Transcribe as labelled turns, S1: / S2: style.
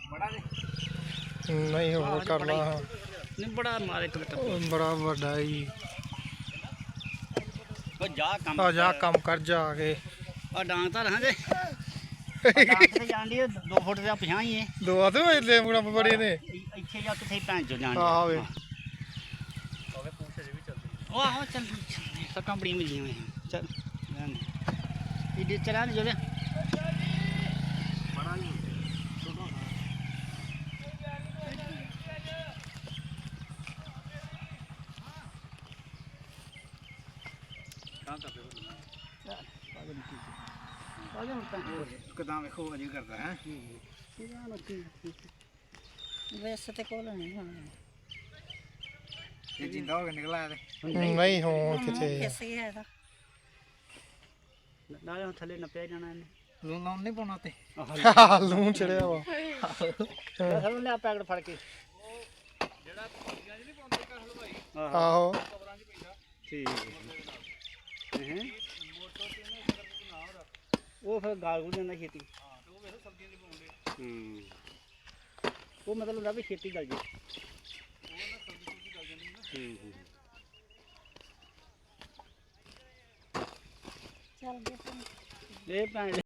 S1: ਨਹੀਂ ਹੋਰ ਕਰ ਲਾ
S2: ਨਹੀਂ ਬੜਾ ਮਾਰੇ ਇੱਕ
S1: ਬੜਾ ਵੱਡਾ ਹੀ
S2: ਉਹ ਜਾ ਕੰਮ
S1: ਆ ਜਾ ਕੰਮ ਕਰ ਜਾ ਕੇ
S2: ਆ ਡਾਂਗ ਤਾਂ ਰਹਾਂਗੇ ਡਾਂਗ ਤੇ ਜਾਂਦੀ 2 ਫੁੱਟ ਦਾ ਪਛਾਂ ਹੀ ਹੈ
S1: ਦੋ ਆਦੇ ਹੋਏ ਲੈ ਮੁੰਡਾ ਬੜੇ ਨੇ
S2: ਇੱਥੇ ਜਾ ਕਿੱਥੇ ਭੈਣ ਚੋ ਜਾਂਦੀ
S1: ਆਹ ਵੇ
S2: ਉਹ ਆਹੋ ਚੱਲ ਸੱਟਾਂ ਬੜੀਆਂ ਮਿਲੀਆਂ ਹੋਈਆਂ ਚੱਲ ਇਹ ਚਲਾ ਨਹੀਂ ਜੋਲੇ ਬੜਾ ਨਹੀਂ ਕਦਾਂ ਵੇਖੋ ਅਜੇ ਕਰਦਾ ਹੈ
S3: ਵੈਸੇ ਤੇ ਕੋਲ ਨਹੀਂ ਹੁਣ
S2: ਇਹ ਜਿੰਦਾ ਹੋ ਕੇ ਨਿਕਲ ਆਇਆ ਤੇ
S1: ਨਹੀਂ ਹੁਣ ਕਿਤੇ
S3: ਕਿਸੇ ਹੈ ਦਾ
S2: ਨਾਲੇ ਥੱਲੇ ਨੱਪਿਆ ਜਾਣਾ ਇਹਨੇ
S4: ਲੂਣ ਲਾਉਣ ਨਹੀਂ ਪਾਉਣਾ ਤੇ
S1: ਲੂਣ ਚੜਿਆ ਵਾ
S2: ਸਾਨੂੰ ਲਿਆ ਪੈਕਟ ਫੜ ਕੇ
S1: ਆਹੋ
S2: ਠੀਕ ਹੈ ਉਹ ਫਿਰ ਗਾਲ ਗੁਲ ਜਾਂਦਾ ਛੇਤੀ ਉਹ ਮਤਲਬ ਹੁੰਦਾ ਵੀ ਛੇਤੀ ਗਲ ਜੇ
S3: ਚੱਲ ਗਏ
S2: ਇਹ ਭੈਣ